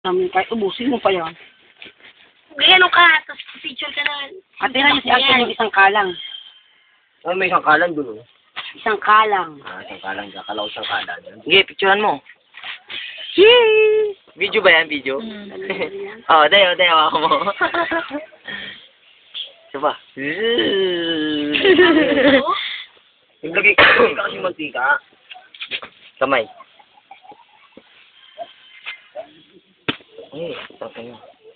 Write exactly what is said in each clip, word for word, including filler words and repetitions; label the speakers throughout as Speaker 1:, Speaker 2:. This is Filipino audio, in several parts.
Speaker 1: Um, kahit ubusin mo pa yan.
Speaker 2: Ganyan ka, tapos picture ka na.
Speaker 1: Atira niya si Alton yung isang kalang.
Speaker 3: Oh, may isang kalan doon, oh.
Speaker 1: Isang kalang.
Speaker 3: Ah, isang kalan. Kakalaw isang kalan.
Speaker 4: Sige, picturean mo. Yee! Video ba yan? Video?
Speaker 2: Hmm.
Speaker 4: Oo, oh, dayo, dayo ako mo. Diba?
Speaker 3: Naglagay ka kasi mantika.
Speaker 4: Kamay. Eh, tapos na.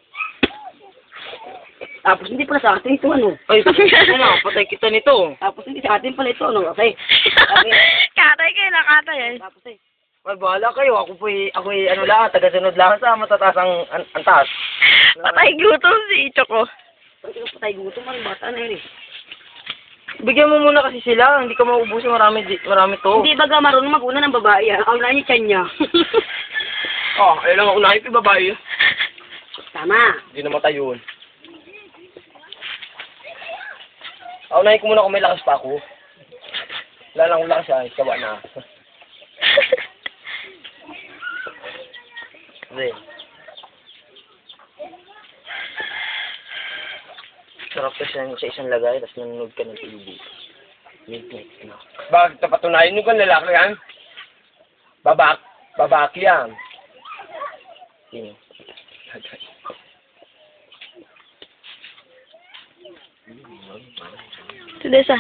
Speaker 1: Tapos hindi pala sa atin ito ano.
Speaker 4: Ay, ano, patay kita nito.
Speaker 1: Tapos hindi sa atin pala ito ano. Kasi,
Speaker 2: Katay kayo na katay eh.
Speaker 1: tapos eh.
Speaker 4: Ay, bahala kayo. Ako po ako ano lang, taga-sunod lang sa matataas ang an antas.
Speaker 2: Patay gutom si Icho ko.
Speaker 1: Pag ito patay gutom, ang bata na yun eh.
Speaker 4: Bigyan mo muna kasi sila, hindi ka mauubusin, marami, di- marami to.
Speaker 1: Hindi baga marunong mag-una ng babae ah. Ang niya tiyan niya.
Speaker 3: Oh, ayun lang ako unahin ko yung babae.
Speaker 1: Tama.
Speaker 3: Hindi namatay yun. Ah, unahin ko muna kung may lakas pa ako. Wala lang akong lakas ay, kawa na.
Speaker 4: Hindi. Sarap kasi yan sa isang lagay, tapos nanonood ka ng T V. Midnight na.
Speaker 3: Bakit napatunayan nyo ka lalaki yan? Babak, babaki yan.
Speaker 4: Sino?
Speaker 2: Si Desa.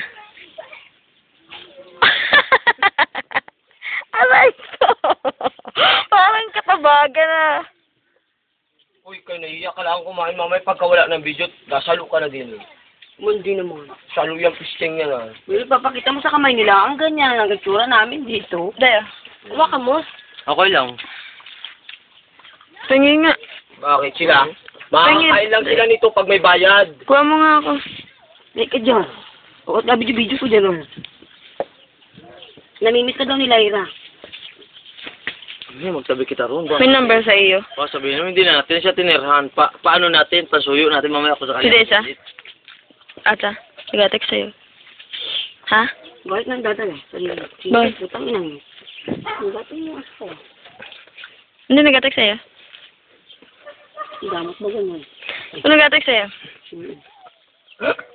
Speaker 2: Aray ko. Parang katabagan ah.
Speaker 3: Uy, kayo naiiyak ka lang kumain mamay pagkawala ng video, nasalo ka na din.
Speaker 1: Mundi naman.
Speaker 3: Salo yung pisting yan ah.
Speaker 1: Well, papakita mo sa kamay nila. Ang ganyan. Ang gatsura namin dito.
Speaker 2: Dayo. Huwag ka mo.
Speaker 4: Okay lang.
Speaker 2: Tingin nga.
Speaker 3: Bakit sila? Makakain lang sila nito pag may bayad.
Speaker 2: Kuha mo nga ako.
Speaker 1: Like ka dyan. O, at video-video ko dyan. Oh. Namimiss ka daw ni Lyra.
Speaker 4: Hindi, magsabi kita ron. Ba?
Speaker 2: May number sa iyo.
Speaker 4: Pa, sabihin naman, hindi na natin siya tinirhan. Pa paano natin? Pasuyo natin mamaya ako sa
Speaker 2: Si
Speaker 4: kanya.
Speaker 2: Desa? Ata, nag-text sa'yo. Ha?
Speaker 1: Bakit nang dadala? Sorry.
Speaker 2: Bakit?
Speaker 1: Utang inang yun. Ang gato yung aso.
Speaker 2: Hindi nag-text sa'yo?
Speaker 1: Ang damot mo ganun.
Speaker 2: Ano nag-text sa'yo?
Speaker 1: Hmm.